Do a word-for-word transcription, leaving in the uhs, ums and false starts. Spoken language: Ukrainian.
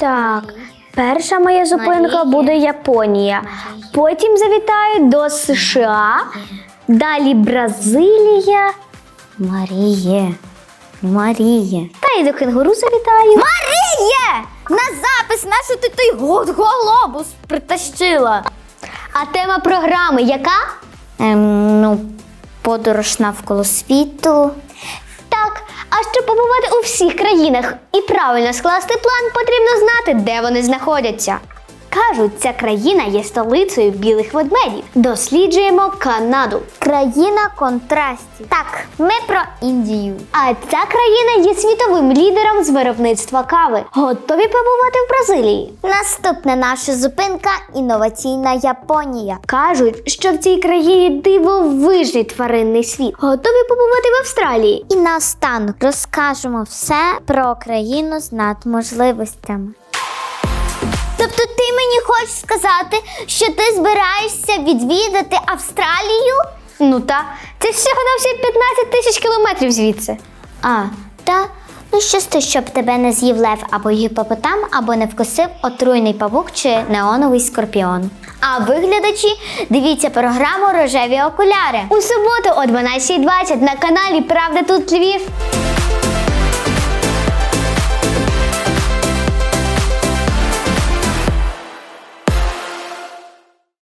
Так, перша моя зупинка буде Японія. Потім завітаю до США, далі Бразилія. Маріє, Маріє. Та й до кенгуру завітаю. Маріє! На запис нашу ти той глобус притащила. А тема програми яка? Ем, ну, подорож навколо світу. Так, а щоб побувати у всіх країнах і правильно скласти план, потрібно знати, де вони знаходяться. Кажуть, ця країна є столицею білих ведмедів. Досліджуємо Канаду. Країна контрастів. Так, ми про Індію. А ця країна є світовим лідером з виробництва кави. Готові побувати в Бразилії? Наступна наша зупинка – інноваційна Японія. Кажуть, що в цій країні дивовижний тваринний світ. Готові побувати в Австралії? І наостанок розкажемо все про країну з надможливостями. Тобто ти мені хочеш сказати, що ти збираєшся відвідати Австралію? Ну та, це всього на всі п'ятнадцять тисяч кілометрів звідси. А, та, ну щасти, щоб тебе не з'їв лев або гіпопотам, або не вкусив отруйний павук чи неоновий скорпіон. А ви, глядачі, дивіться програму «Рожеві окуляри» У суботу о дванадцятій двадцять на каналі «Правда тут Львів».